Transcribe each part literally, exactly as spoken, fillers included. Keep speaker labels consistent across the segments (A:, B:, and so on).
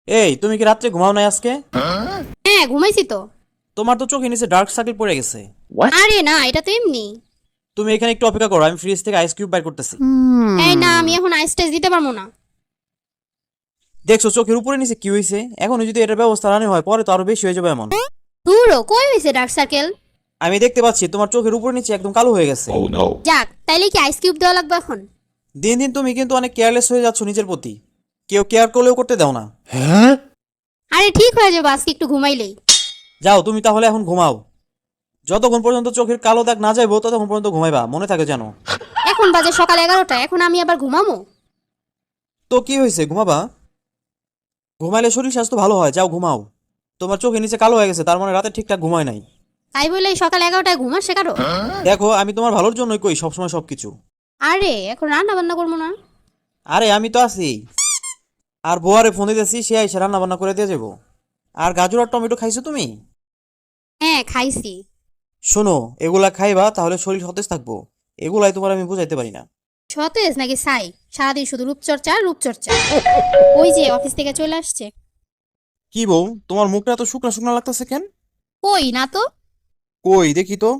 A: এই তুমি কি রাত্রে ঘুমাও নাই আজকে?
B: হ্যাঁ ঘুমাইছি তো।
A: তোমার তো চোখে নিচে ডার্ক সার্কেল পড়ে গেছে।
B: আরে না, এটা তো এমনি।
A: তুমি এখানে একটু অপেক্ষা করো, আমি ফ্রিজ থেকে আইস কিউব বাইর করতেছি।
B: এই না, আমি এখন আইস টেস্ট দিতে পারবো না।
A: দেখছো চোখের উপরে নিচে কি হয়েছে? এখন যদি এটার ব্যবস্থা না হয় পরে তো আরো বেশি হয়ে যাবে এমন।
B: দূরও কই হয়েছে ডার্ক সার্কেল?
A: আমি দেখতে পাচ্ছি তোমার চোখের উপরে নিচে একদম কালো হয়ে গেছে।
B: যাক, তাইলে কি আইস কিউব দেওয়া লাগবে এখন?
A: দিন দিন তুমি কিন্তু অনেক কেয়ারলেস হয়ে যাচ্ছ নিজের প্রতি। কেউ কেয়ার করলেও করতে দাও না।
B: আরে ঠিক হয়ে যাবে আজকে একটু ঘুমাইলেই।
A: যাও তুমি তাহলে এখন ঘুমাও। যতক্ষণ পর্যন্ত চোখের কালো দাগ না যাইবো ততক্ষণ পর্যন্ত ঘুমাইবা, মনে থাকে যেন।
B: এখন বাজে সকাল এগারোটা, এখন আমি আবার ঘুমামো?
A: তো কি হয়েছে, ঘুমাবা। ঘুমাইলে শরীর স্বাস্থ্য ভালো হয়, যাও ঘুমাও। তোমার চোখের নিচে কালো হয়ে গেছে, তার মানে রাতে ঠিকঠাক ঘুমায় নাই।
B: তাই বলে এই সকাল এগারোটায় ঘুমা শেখারো?
A: দেখো আমি তোমার ভালোর জন্যই কই সবসময় সবকিছু।
B: আরে এখন রান্না বান্না করবো না?
A: আরে আমি তো আছি। আর বোয়ারে ফোন দিতেছি, সে আইসে রান্না বান্না করে দিয়ে যাবো। আর গাজর আর টমেটো খাইছো তুমি?
B: হ্যাঁ খাইছি।
A: শোনো, এগুলা খাইবা তাহলে শরীর সতেজ থাকবো। এগুলাই তোমার আমি বুঝাইতে পারি না।
B: সতেজ নাকি সাই? সারাদিন শুধু রূপচর্চা রূপচর্চা। ওই যে অফিস থেকে চলে আসছে।
A: কি বউ, তোমার মুখটা এত শুকনা শুকনা লাগতেছে কেন?
B: কই না তো।
A: কই দেখি তো।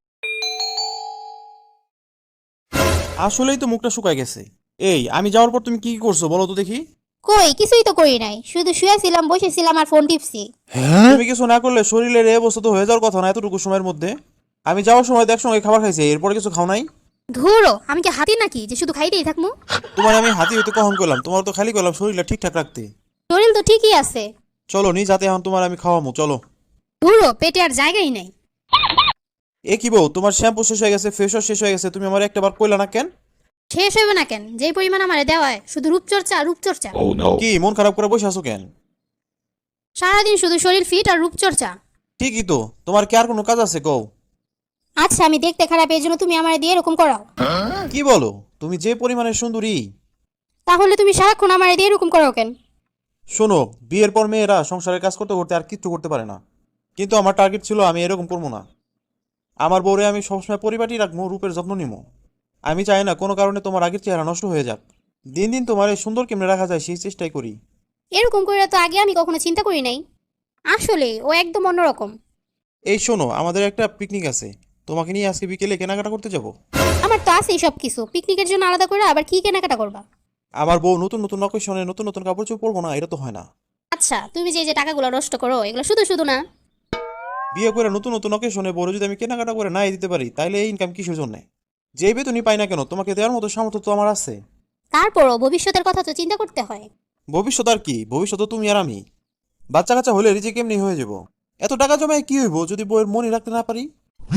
A: আসলেই তো মুখটা শুকায় গেছে। এই আমি যাওয়ার পর তুমি কি কি করছো বলো তো দেখি।
B: কই কিছুই তো করি নাই, শুধু শুয়েছিলাম বসেছিলাম আর ফোন টিপছি।
A: তুমি কিছু না করলে শরীরের এই অবস্থা তো হয়ে যাওয়ার কথা না এতটুকু সময়ের মধ্যে। আমি যাওয়ার সময় তো একসঙ্গে খাবার খাইছি, এরপরে কিছু খাও নাই?
B: ধুরো, আমি কি হাতি নাকি যে শুধু খাইতেই থাকবো?
A: তোমার আমি হাতি হইতে কখন করলাম, তোমার তো খালি করলাম শরীরটা ঠিকঠাক রাখতে।
B: শরীর তো ঠিকই আছে।
A: চলো নিজ হাতে এখন তোমার আমি খাওয়ামু, চলো।
B: ধুরো, পেটে আর জায়গাই নাই।
A: এ কি বউ, তোমার শ্যাম্পু শেষ হয়ে গেছে, ফেস ওয়াশ শেষ হয়ে গেছে, তুমি আমার একটা বার কইলা না কেন?
B: শেষ হইবে না কেন? যেই পরিমাণ আমারে দেওয়ায় শুধু রূপচর্চা রূপচর্চা।
A: কি মন খারাপ করে বসে আছো কেন?
B: সারাদিন শুধু শরীর ফিট আর রূপচর্চা।
A: ঠিকই তো, তোমার কি আর কোনো কাজ আছে কও?
B: আচ্ছা আমি দেখতে খারাপ, এই জন্য তুমি আমারে দিয়ে এরকম করাও?
A: কি বলো, তুমি যে পরিমাণে সুন্দরী।
B: তাহলে তুমি সারাক্ষণ আমারে দিয়ে এরকম করাও কেন?
A: শোনো, বিয়ের পর মেয়েরা সংসারের কাজ করতে করতে আর কিচ্ছু করতে পারে না। কিন্তু আমার টার্গেট ছিল আমি এরকম করবো না। আমার বউরে আমি সবসময় পরিপাটি রাখবো, রূপের যত্ন নিবো। আমি চাই না কোনো কারণে তোমার আগের চেহারা নষ্ট হয়ে যাক। দিন দিন তোমার এই সুন্দর কেমনে রাখা যায় সেই চেষ্টাই করি।
B: এরকম করে তো আগে আমি কখনো চিন্তা করি নাই। আসলে ও একদম অন্যরকম।
A: এই শোনো, আমাদের একটা পিকনিক আছে, তোমাকে নিয়ে আজকে বিকেলে কেনাকাটা করতে যাব।
B: আমার তো আছেই সব কিছু, পিকনিকের জন্য আলাদা করে আবার কি কেনাকাটা করবা?
A: আমার বউ নতুন নতুন অকেশনে নতুন নতুন কাপড় চোপড় পরবো না, এটা তো হয় না।
B: আচ্ছা তুমি যে যে টাকাগুলো নষ্ট করো এগুলো শুধু শুধু না।
A: বিয়ে করে নতুন নতুন অকেশনে বড় যদি আমি কেনাকাটা করে নাই দিতে পারি তাইলে এই ইনকাম কিসের জন্য? যে বেতনই পাই না কেন, তোমাকে দেওয়ার মতো সামর্থ্য তো আমার আছে।
B: তারপরও ভবিষ্যতের কথা তো চিন্তা করতে হয়।
A: ভবিষ্যৎ আর কি, ভবিষ্যৎ তো তুমি আর আমি। বাচ্চা কাচ্চা হলে রিজে কেমনি হয়ে যাব। এত টাকা জমায় কি হইব যদি বউয়ের মনে রাখতে না পারি।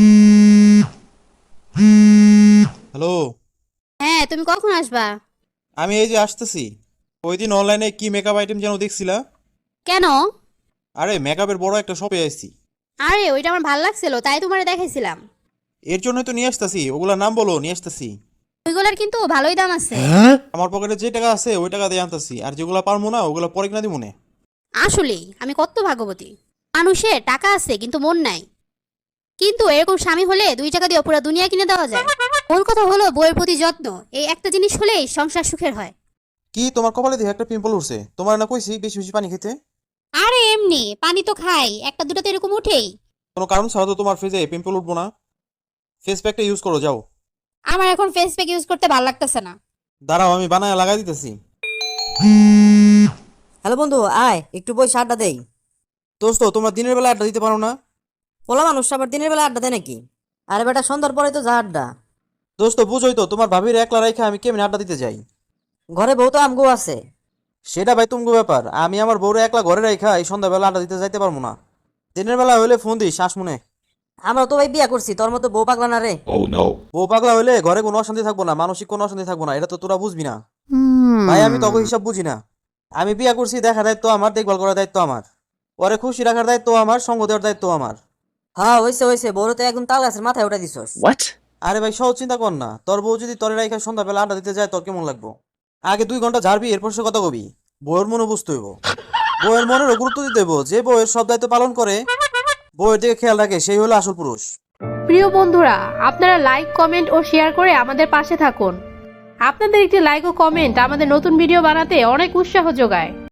A: হ্যালো।
B: হ্যাঁ তুমি কখন আসবা?
A: আমি এই যে আসতেছি। ওই দিন অনলাইনে কি মেকআপ আইটেম যেন দেখছিলা?
B: কেন?
A: আরে মেকআপের বড় একটা শপে আইছি।
B: আরে ওইটা আমার ভালো লাগছিল তাই তোমারে দেখাইছিলাম।
A: এর জন্যই তো নিয়ে আসতেছি, ওগুলা নাম বলো, নিয়ে আসতেছি।
B: ওইগুলার কিন্তু ভালোই দাম আছে।
A: আমার পকেটে যে টাকা আছে ওই টাকা দিয়ে আনতেছি, আর যেগুলা পারবো না ওগুলা পরে কিনা দিব মনে।
B: আসলেই আমি কত ভাগ্যবতী। মানুষের টাকা আছে কিন্তু মন নাই। কিন্তু এরকম স্বামী হলে দুই টাকা দিয়ে পুরো দুনিয়া কিনে দেওয়া যায়। মূল কথা হলো বইয়ের প্রতি যত্ন, এই একটা জিনিস হলেই সংসার সুখের হয়।
A: কি তোমার কপালে দিয়ে একটা পিম্পল উঠছে? তোমার না কইছি বেশি বেশি পানি খেতে?
B: আরে এমনি পানি তো খাই, একটা দুটো তো এরকম উঠেই।
A: কোনো কারণ ছাড়া তো তোমার ফেসে পিম্পল উঠবো না। ফেস প্যাকটা ইউজ করো, যাও।
B: আমার এখন ফেস প্যাক ইউজ করতে ভালো লাগতেছে না।
A: দাঁড়াও আমি বানায় লাগাই দিতেছি।
C: হ্যালো বন্ধু, আয় একটু বই আড্ডা দেই।
A: দোস্ত তোমরা দিনের বেলা আড্ডা দিতে পারো না?
C: পোলা মানুষ আবার দিনের বেলা আড্ডা দেয় নাকি? আরে বেটা সন্ধ্যার পরে তো যা আড্ডা।
A: দোস্ত বুঝোই তো, তোমার ভাবির একলা রাইখা আমি কেমনে আড্ডা দিতে যাই।
C: ঘরে বউ তো আমগো আছে।
A: সেটা ভাই তুমগো ব্যাপার, আমি আমার বউরে একলা ঘরে রাইখা এই সন্ধ্যাবেলা আড্ডা দিতে যাইতে পারবো না। দিনের বেলা হইলে ফোন দিই শ্বাস মনে।
C: আমরা তো ভাই বিয়া করছি, তোর মতো বউ পাগলা না রে।
A: বউ পাগলা হইলে ঘরে কোনো অশান্তি থাকবো না, মানসিক কোনো অশান্তি থাকবো না, এটা তো তোরা বুঝবি না। ভাই আমি তখন হিসাব বুঝি না। আমি বিয়া করছি, দেখার দায়িত্ব আমার, দেখভাল করার দায়িত্ব আমার, পরে খুশি রাখার দায়িত্ব আমার, সঙ্গ দেওয়ার দায়িত্ব আমার।
C: হ্যাঁ হয়েছে হয়েছে, বউরে তো একদম তাল গাছের মাথায় উঠে দিছস।
A: আরে ভাই সহজ চিন্তা কর না, তোর বউ যদি তরে রাইখা সন্ধ্যাবেলা আড্ডা দিতে যায় তোর কেমন লাগবো? আগে দুই ঘন্টা ঝাড়বি, এরপর সে কথা কবি। বউয়ের মনে বুঝতে হইব, বউয়ের মনেরও গুরুত্ব দিতে হইব। যে বউয়ের সব দায়িত্ব পালন করে, বউয়ের দিকে খেয়াল রাখে, সেই হলো আসল পুরুষ।
D: প্রিয় বন্ধুরা, আপনারা লাইক কমেন্ট ও শেয়ার করে আমাদের পাশে থাকুন। আপনাদের একটি লাইক ও কমেন্ট আমাদের নতুন ভিডিও বানাতে অনেক উৎসাহ যোগায়।